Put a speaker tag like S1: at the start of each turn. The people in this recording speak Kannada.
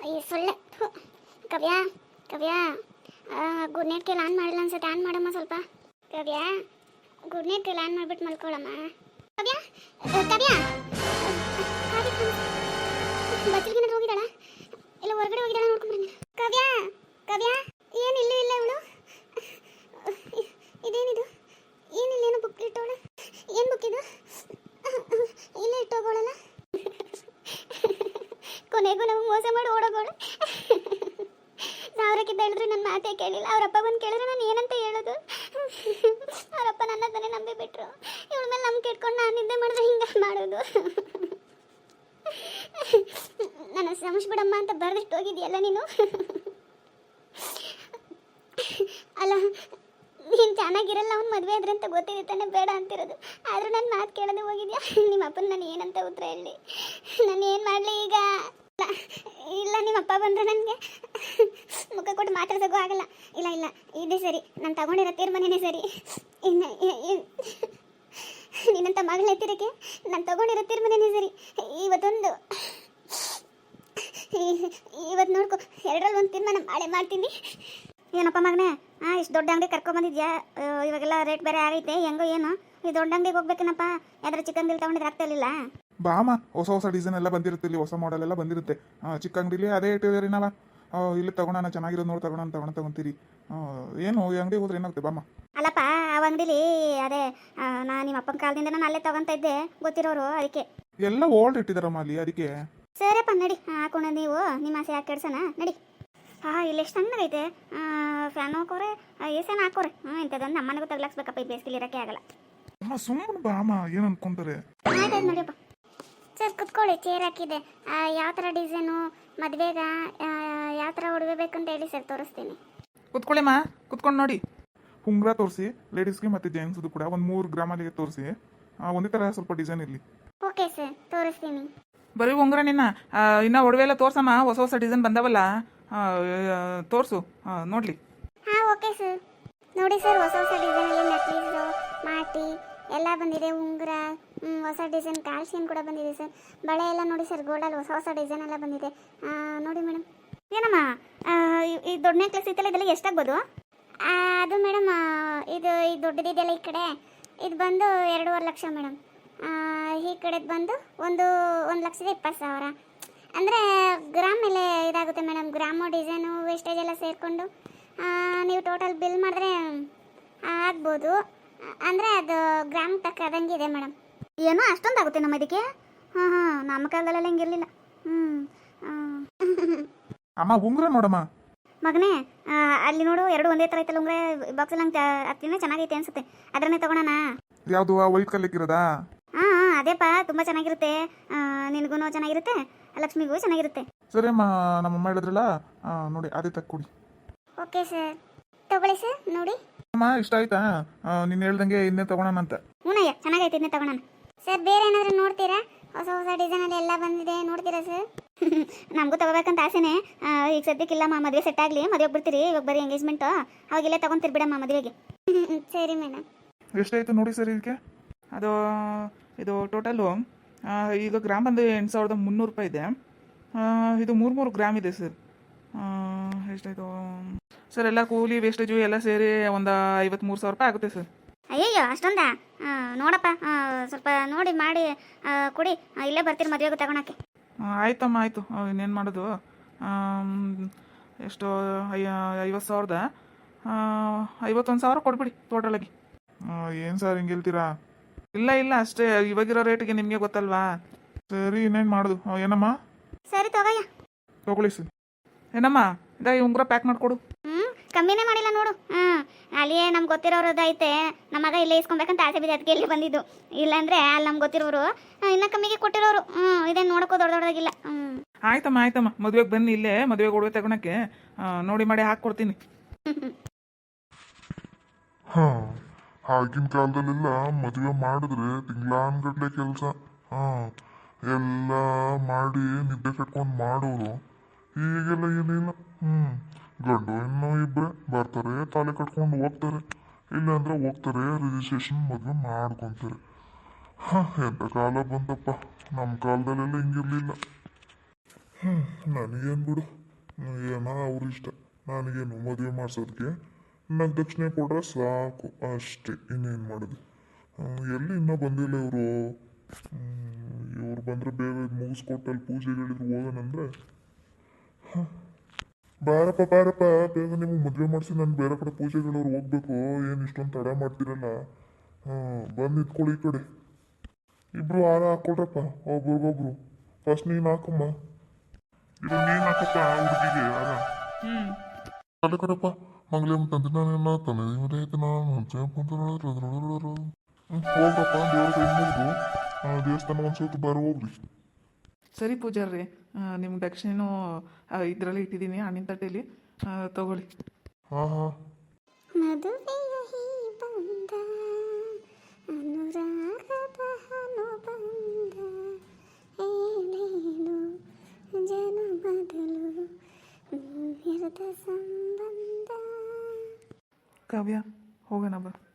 S1: ಅಯ್ಯೋ ಸೊಳ್ಳೆ ಥು. ಕವ್ಯ ಕವ್ಯ ಗುಡ್ ನೈಟ್ ಕೆಲ ಆನ್ ಮಾಡಿಲ್ಲ ಅನ್ಸುತ್ತೆ. ಆನ್ ಮಾಡಮ್ಮ ಸ್ವಲ್ಪ. ಕವ್ಯ ಗುಡ್ ನೈಟ್ ಕೆಲ ಆನ್ ಮಾಡಿಬಿಟ್ಟು ಮಲ್ಕೊಳ್ಳಮ್ಮ. ಕವ್ಯ ಕವ್ಯ ಬಚ್ಚಲ್ಗಿನ ಹೋಗಿದ್ದಾಳ ಇಲ್ಲ ಹೊರಗಡೆ ಹೋಗಿದ್ದಾಳ ನೋಡ್ಕೊಂಡ್ಬಂದ. ಕವ್ಯ ಕವ್ಯ ಏನು ಇಲ್ಲ ಇಲ್ಲ ಇವಳು. ಇದೇನಿದು? ಏನಿಲ್ಲ, ಏನು ಬುಕ್ ಇಟ್ಟೋಳ? ಏನು ಬುಕ್ ಇದು? ಇಲ್ಲೇ ಇಟ್ಟೋಗೋಳಲ್ಲ. ಕೊನೆಗೂ ನಾವು ಮೋಸ ಮಾಡಿ ಓಡೋಗೋಳು. ಸಾವಿರಕ್ಕಿಂತ ಹೇಳಿದ್ರು ನನ್ನ ಮಾತೇ ಕೇಳಿಲ್ಲ. ಅವರಪ್ಪ ಬಂದು ಕೇಳಿದ್ರೆ ನಾನು ಏನಂತ ಹೇಳೋದು? ಅವರಪ್ಪ ನನ್ನ ತಾನೇ ನಂಬಿ ಬಿಟ್ರು. ಇವಳ ಮೇಲೆ ನಂಬಿಕೆ ಇಟ್ಕೊಂಡು ನಾನು ನಿದ್ದೆ ಮಾಡಿದ್ರೆ ಹಿಂಗೆ ಮಾಡೋದು. ನನ್ನ ಶ್ರಮಿಸ್ಬಿಡಮ್ಮ ಅಂತ ಬರೆದಿಟ್ಟು ಹೋಗಿದ್ಯಲ್ಲ ನೀನು. ಅಲ್ಲ ನೀನು ಚೆನ್ನಾಗಿರಲ್ಲ, ಅವ್ನು ಮದುವೆ ಆದ್ರೆ ಅಂತ ಗೊತ್ತಿದೆ ತಾನೆ ಬೇಡ ಅಂತಿರೋದು. ಆದರೂ ನನ್ನ ಮಾತು ಕೇಳದೆ ಹೋಗಿದ್ಯಾ? ನಿಮ್ಮ ಅಪ್ಪನ ನಾನು ಏನಂತ ಉತ್ತರ ಹೇಳಿ? ನಾನು ಏನು ಮಾಡಲಿ ಈಗ? ಇಲ್ಲ ನಿಮ್ಮ ಅಪ್ಪ ಬಂದರೆ ನನಗೆ ಮುಖ ಕೊಟ್ಟು ಮಾತಾಡ್ಸೋಕ್ಕೂ ಆಗಲ್ಲ. ಇಲ್ಲ ಇಲ್ಲ ಇದೇ ಸರಿ, ನಾನು ತಗೊಂಡಿರೋ ತೀರ್ಮಾನನೇ ಸರಿ. ಇನ್ನು ನಿನ್ನಂತ ಮಗಳ ಎತ್ತಿರಕ್ಕೆ ನಾನು ತಗೊಂಡಿರೋ ತೀರ್ಮಾನನೇ ಸರಿ. ಇವತ್ತು ನೋಡ್ಕೊ, ಎರಡರಲ್ಲಿ ಒಂದು ತೀರ್ಮಾನ ಮಾಡ್ತೀನಿ. ಏನಪ್ಪ ಮಗನೇ, ಇಷ್ಟು ದೊಡ್ಡ ಅಂಗಡಿ ಕರ್ಕೊಂಬಂದಿದ್ಯಾ? ಇವಾಗೆಲ್ಲ ರೇಟ್ ಬೇರೆ ಆಗೈತೆ, ಹೆಂಗೋ ಏನು ಈ ದೊಡ್ಡ ಅಂಗಡಿಗೆ ಹೋಗ್ಬೇಕೇನಪ್ಪ? ಯಾವ್ದಾರು ಚಿಕನ್ ಬಿಲ್ ತೊಗೊಂಡಿದ್ರೆ ಆಗ್ತಾ ಇರಲಿಲ್ಲ?
S2: ಬಾಮ, ಹೊಸ ಹೊಸ ಡಿಸೈನ್ ಎಲ್ಲ ಬಂದಿರುತ್ತೆ, ಇಲ್ಲಿ ಹೊಸ ಮಾಡೆಲ್ ಎಲ್ಲ ಬಂದಿರುತ್ತೆ. ಚಿಕ್ಕ ಅಂಗಡಿಲಿ ಅದೇ ಇಟ್ಟಿದ್ದೀರಿ ನಾವ. ಇಲ್ಲಿ ತಗೊಳೋಣ, ಚೆನ್ನಾಗಿರೋದು ನೋಡಿ ತಗೊಂತೀರಿ. ಏನು ಈ ಅಂಗಡಿ ಹೋದ್ರೆ ಏನಾಗುತ್ತೆ ಬಾಮ?
S1: ಅಲ್ಲಪ್ಪ ಆ ಅಂಗಡಿಲಿ ಅದೇ ನಾನು ನಿಮ್ಮ ಅಪ್ಪನ ಕಾಲದಿಂದ ನಾನು ಅಲ್ಲೇ ತಗೊಂತ ಇದ್ದೆ, ಗೊತ್ತಿರೋರು, ಅದಕ್ಕೆ.
S2: ಎಲ್ಲ ಓಲ್ಡ್ ಇಟ್ಟಿದಾರಮ್ಮ ಅಲ್ಲಿ, ಅದಕ್ಕೆ.
S1: ಸರಿಯಪ್ಪ ನಡಿ, ಹಾಕೋಣ. ನೀವು ನಿಮ್ಮ ಆಸೆ ಯಾಕೆ ಕೆಡ್ಸೋಣ, ನಡಿ. ಇಲ್ಲಿ ಎಷ್ಟು ಚೆನ್ನಾಗೈತೆ. ಫ್ಯಾನ್ ಹಾಕೋರೆ, ಎ ಸಿ ಹಾಕೋರೆ. ಇಂಥದ್ದೊಂದು ನಮ್ಮನೆಗೂ ತಗ್ಲಾಕ್ಸ್ಬೇಕಪ್ಪ, ಈ ಬೇಸಿಗೆ ಇರೋಕ್ಕೆ ಆಗಲ್ಲ.
S2: ಸುಮ್ಮನೆ ಬಾಮ, ಏನು ಅನ್ಕೊಂತಾರೆ?
S1: ಆಯ್ತಾಯ್ತು ನಡಿಯಪ್ಪ. ಸರ್ ಕುತ್ಕೊಳ್ಳಿ, ಚೇರ್ ಹಾಕಿದೆ. ಯಾವ ಥರ ಡಿಸೈನು, ಮದುವೆಗ ಯಾವ ಥರ ಉಡುಗೆ ಬೇಕಂತ ಹೇಳಿ ಸರ್, ತೋರಿಸ್ತೀನಿ.
S2: ಕುತ್ಕೊಳ್ಳಿಮ್ಮ, ಕುತ್ಕೊಂಡು ನೋಡಿ. ಉಂಗುರ ತೋರಿಸಿ, ಲೇಡೀಸ್ಗೆ ಮತ್ತು ಜೆಂಟ್ಸ್ದು ಕೂಡ ಒಂದು 3 ಗ್ರಾಮಲ್ಲಿಗೆ ತೋರಿಸಿ. ಒಂದೇ ಥರ ಸ್ವಲ್ಪ ಡಿಸೈನ್ ಇರಲಿ.
S1: ಓಕೆ ಸರ್, ತೋರಿಸ್ತೀನಿ.
S3: ಬರೀ ಉಂಗುರ ನಿನ್ನ ಇನ್ನು ಒಡವೆ ಎಲ್ಲ ತೋರ್ಸಮ್ಮ, ಹೊಸ ಹೊಸ ಡಿಸೈನ್ ಬಂದವಲ್ಲ, ತೋರಿಸು ನೋಡಲಿ.
S1: ಹಾಂ ಓಕೆ ಸರ್. ನೋಡಿ ಸರ್, ಹೊಸ ಹೊಸ ಡಿಸೈನಲ್ಲಿ ನೆಕ್ಲೇಸು, ಮಾಟಿ ಎಲ್ಲ ಬಂದಿದೆ. ಉಂಗುರ, ಹೊಸ ಡಿಸೈನ್ ಕಾಲ್ ಚೈನ್ ಕೂಡ ಬಂದಿದೆ ಸರ್. ಬಳೆ ಎಲ್ಲ ನೋಡಿ ಸರ್, ಗೋಲ್ಡಲ್ಲಿ ಹೊಸ ಹೊಸ ಡಿಸೈನ್ ಎಲ್ಲ ಬಂದಿದೆ. ನೋಡಿ ಮೇಡಮ್. ಏನಮ್ಮ ಈ ದೊಡ್ಡ ನೆಕ್ಲೆಸ್ ಇತ್ತಲ್ಲ, ಇದೆಲ್ಲ ಎಷ್ಟಾಗ್ಬೋದು? ಅದು ಮೇಡಮ್ ಇದು ದೊಡ್ಡದಿದೆಯಲ್ಲ ಈ ಕಡೆ, ಇದು ಬಂದು 2.5 ಲಕ್ಷ ಮೇಡಮ್. ಈ ಕಡೆದು ಬಂದು 1,20,000. ಅಂದರೆ ಗ್ರಾಮ್ ಮೇಲೆ ಇದಾಗುತ್ತೆ ಮೇಡಮ್. ಗ್ರಾಮು, ಡಿಸೈನು, ವೇಸ್ಟೇಜ್ ಎಲ್ಲ ಸೇರಿಕೊಂಡು ನೀವು ಟೋಟಲ್ ಬಿಲ್ ಮಾಡಿದ್ರೆ ಆಗ್ಬೋದು. ಅಂದರೆ ಅದು ಗ್ರಾಮ್ ತಕ್ಕದಂಗಿದೆ ಮೇಡಮ್. ಏನೋ ಅಷ್ಟೊಂದು ಆಗುತ್ತೆ ನಮ್ಮ ಇದಕ್ಕೆ? ಹಾಂ ನಮ್ಮ ಕಾಲದಲ್ಲೆಲ್ಲ ಹಿಂಗಿರಲಿಲ್ಲ.
S2: ಅಮ್ಮ ಉಂಗುರ ನೋಡಮ್ಮ.
S1: ಮಗನೇ, ಅಲ್ಲಿ ನೋಡು, ಎರಡು ಒಂದೇ ಥರ ಐತಲ್ಲ ಉಂಗುರ, ಬಾಕ್ಸಲ್ಲಿ ಹಂಗೆ ಹತ್ತಿನ ಚೆನ್ನಾಗೈತೆ ಅನ್ಸುತ್ತೆ. ಅದನ್ನೇ ತಗೊಳೋಣ.
S2: ಯಾವುದು ವೈಟ್ ಕಲ್ಲಿಕ್ಕಿರೋದಾ?
S1: ಹಾಂ ಅದೇಪ್ಪ, ತುಂಬ ಚೆನ್ನಾಗಿರುತ್ತೆ. ನಿನಗೂ ಚೆನ್ನಾಗಿರುತ್ತೆ, ಲಕ್ಷ್ಮಿಗೂ ಚೆನ್ನಾಗಿರುತ್ತೆ.
S2: ಸರಿ ಅಮ್ಮ, ನಮ್ಮಮ್ಮ ಹೇಳಿದ್ರಲ್ಲ, ನೋಡಿ ಅದೇ ತಕ್ಕೊಡಿ.
S1: ಓಕೆ ಸರ್, ತಗೊಳ್ಳಿ ಸರ್, ನೋಡಿ.
S2: ಅಮ್ಮ ಇಷ್ಟ ಆಯ್ತಾ? ನೀನು ಹೇಳ್ದಂಗೆ ಇನ್ನೇ ತಗೊಳೋಣ ಅಂತ.
S1: ಹ್ಞೂನಯ್ಯ, ಚೆನ್ನಾಗೈತೆ, ಇದನ್ನೇ ತಗೊಳೋಣ. ಸರ್ ಬೇರೆ ಏನಾದರೂ ನೋಡ್ತೀರಾ? ಹೊಸ ಹೊಸ ಡಿಸೈನಲ್ಲಿ ಎಲ್ಲ ಬಂದಿದೆ, ನೋಡ್ತೀರಾ ಸರ್? ನಮಗೂ ತಗೋಬೇಕಂತ ಆಸೆನೇ. ಈಗ ಸದ್ಯಕ್ಕಿಲ್ಲಮ್ಮ, ಮದುವೆ ಸೆಟ್ ಆಗಲಿ, ಮದುವೆಗೆ ಬಿಡ್ತೀರಿ. ಇವಾಗ ಬರೀ ಎಂಗೇಜ್ಮೆಂಟು, ಅವಾಗೆಲ್ಲ ತಗೊಂತೀರಿ ಬಿಡಮ್ಮ ಮದುವೆಗೆ. ಸರಿ ಮೇಡಮ್.
S2: ಎಷ್ಟಾಯ್ತು ನೋಡಿ ಸರ್ ಇದಕ್ಕೆ?
S3: ಅದು ಇದು ಟೋಟಲು ಈಗ ಗ್ರಾಮ್ ಬಂದು 8,300 ರೂಪಾಯಿ ಇದೆ. ಇದು 3 ಗ್ರಾಮ್ ಇದೆ ಸರ್. ಎಷ್ಟಾಯಿತು ಸರ್? ಎಲ್ಲ ಕೂಲಿ ವೇಸ್ಟೇಜು ಎಲ್ಲ ಸೇರಿ ಒಂದು 53,000 ರೂಪಾಯಿ ಆಗುತ್ತೆ ಸರ್.
S1: ಅಯ್ಯಯ್ಯೋ ಅಷ್ಟೊಂದಾ? ನೋಡಪ್ಪ, ಸ್ವಲ್ಪ ನೋಡಿ ಮಾಡಿ ಕೊಡಿ, ಇಲ್ಲೇ ಬರ್ತೀರಿ ಮದುವೆಗೆ ತಗೊಳಕ್ಕೆ.
S3: ಆಯ್ತಮ್ಮ, ಆಯಿತು. ಇನ್ನೇನು ಮಾಡೋದು? ಎಷ್ಟು 50,000ದ 51,000 ಕೊಡ್ಬಿಡಿ ಟೋಟಲಾಗಿ.
S2: ಏನು ಸರ್ ಹಿಂಗೆ ಹೇಳ್ತೀರಾ?
S3: ಇಲ್ಲ ಇಲ್ಲ, ಅಷ್ಟೇ. ಇವಾಗಿರೋ ರೇಟಿಗೆ ನಿಮಗೆ ಗೊತ್ತಲ್ವಾ?
S2: ಸರಿ, ಇನ್ನೇನು ಮಾಡೋದು? ಏನಮ್ಮ?
S1: ಸರಿ ತಗೋಯ್ಯ.
S2: ತಗೊಳ್ಳಿ ಸರ್.
S3: ಏನಮ್ಮ, ಈ ಉಂಗುರ ಪ್ಯಾಕ್ ಮಾಡಿಕೊಡು.
S1: ಕಮ್ಮಿನೇ ಮಾಡಿಲ್ಲ ನೋಡು. ಅಲ್ಲಿಯೇ ನಮ್ಗೆ ಗೊತ್ತಿರೋರದೈತೆ. ನಮ್ಮ ಮಗ ಇಲ್ಲೇ ಇಸ್ಕೊಬೇಕಂತ ಆಸೆ ಬಿದ್ದೆ, ಅದಕ್ಕೆ ಇಲ್ಲಿ ಬಂದಿದ್ದು. ಇಲ್ಲಾಂದ್ರೆ ಅಲ್ಲಿ ನಮ್ಗೆ ಗೊತ್ತಿರೋರು ಇನ್ನೂ ಕಮ್ಮಿಗೆ ಕೊಟ್ಟಿರೋರು. ಇದೇನು ನೋಡೋಕ್ಕೂ ದೊಡ್ಡದಾಗಿಲ್ಲ.
S3: ಆಯ್ತಮ್ಮ, ಮದುವೆಗೆ ಬನ್ನಿ, ಇಲ್ಲೇ ಮದುವೆಗೆ ಒಡವೆ ತಗೊಳಕ್ಕೆ ನೋಡಿ ಮಾಡಿ ಹಾಕ್ಕೊಡ್ತೀನಿ.
S4: ಆಗಿನ ಕಾಲದಲ್ಲೆಲ್ಲ ಮದುವೆ ಮಾಡಿದ್ರೆ ತಿಂಗಳಾನ್ಗಟ್ಲೆ ಕೆಲಸ, ಎಲ್ಲ ಮಾಡಿ ನಿದ್ದೆ ಕಟ್ಕೊಂಡು ಮಾಡೋರು. ಈಗೆಲ್ಲ ಏನಿಲ್ಲ. ಗಂಡು ಹೆಣ್ಣು ಇಬ್ಬರೇ ಬರ್ತಾರೆ, ತಾಲೆ ಕಟ್ಕೊಂಡು ಹೋಗ್ತಾರೆ, ಇಲ್ಲಾಂದ್ರೆ ಹೋಗ್ತಾರೆ ರಿಜಿಸ್ಟ್ರೇಷನ್ ಮದುವೆ ಮಾಡ್ಕೊತಾರೆ. ಎಂಥ ಕಾಲ ಬಂತಪ್ಪ. ನಮ್ಮ ಕಾಲದಲ್ಲೆಲ್ಲ ಹಿಂಗಿರ್ಲಿಲ್ಲ. ನನಗೇನು ಬಿಡು, ಏನೋ ಅವ್ರ ಇಷ್ಟ. ನನಗೇನು ಮದುವೆ ಮಾಡಿಸೋದಕ್ಕೆ ನಂಗೆ ದಕ್ಷಿಣೆ ಕೊಟ್ರೆ ಸಾಕು ಅಷ್ಟೇ, ಇನ್ನೇನು ಮಾಡೋದು. ಎಲ್ಲಿ ಇನ್ನೂ ಬಂದಿಲ್ಲ ಇವರು. ಇವ್ರು ಬಂದರೆ ಬೇಗ ಇದು ಮುಗಿಸ್ಕೊಟ್ಟು ಅಲ್ಲಿ ಪೂಜೆಗಳಿದ್ರು ಹೋಗೋಣಂದ್ರೆ. ಬಾರಪ್ಪ ಬಾರಪ್ಪ, ಬೇಗ ನಿಮಗೆ ಮದುವೆ ಮಾಡಿಸಿ ನಾನು ಬೇರೆ ಕಡೆ ಪೂಜೆಗಳವ್ರು ಹೋಗ್ಬೇಕು. ಏನು ಇಷ್ಟೊಂದು ತಡ ಮಾಡ್ತೀರಲ್ಲ. ಬಂದು ನಿಂತ್ಕೊಳ್ಳಿ ಈ ಕಡೆ. ಇಬ್ರು ಹಾರ ಹಾಕ್ಕೊಡ್ರಪ್ಪ ಒಬ್ರಿಗೊಬ್ರು. ಫಸ್ಟ್ ನೀನು ಹಾಕಮ್ಮ. ಇದು ನೀನು ಹಾಕಪ್ಪ ಹುಡುಗಿಗೆ ಹಾರ. ಅಲ್ಲ ಕಡಪ್ಪ ಮಂಗಲೇ ತಂದೆ ನಾನು ತಾನೆ ಇವರೈತೆ ನಾನು ಹೋಗ್ರಪ್ಪ ದೇವ್ರ ಕೈ ಮುಗಿದು ದೇವಸ್ಥಾನ ಒಂದು ಸೋತು ಬರೋ ಹೋಗ್ರಿ.
S3: ಸರಿ ಪೂಜಾರ್ರಿ, ನಿಮ್ಮ ದಕ್ಷಿಣೆನೂ ಇದರಲ್ಲಿ ಇಟ್ಟಿದ್ದೀನಿ ಹಣ್ಣಿನ ತಟ್ಟೆಯಲ್ಲಿ, ತಗೊಳ್ಳಿ.
S4: ಹಾಂ ಹಾಂ
S1: ಮದುವೆಯ ಈ ಬಂದ ಅನುರಾಗದ ಅನುಬಂಧ ಏನೇನು ಜನುಮದಲು ನಿರದ ಸಂಬಂಧ.
S3: ಕಾವ್ಯ ಹೋಗೋಣ ಬಾ.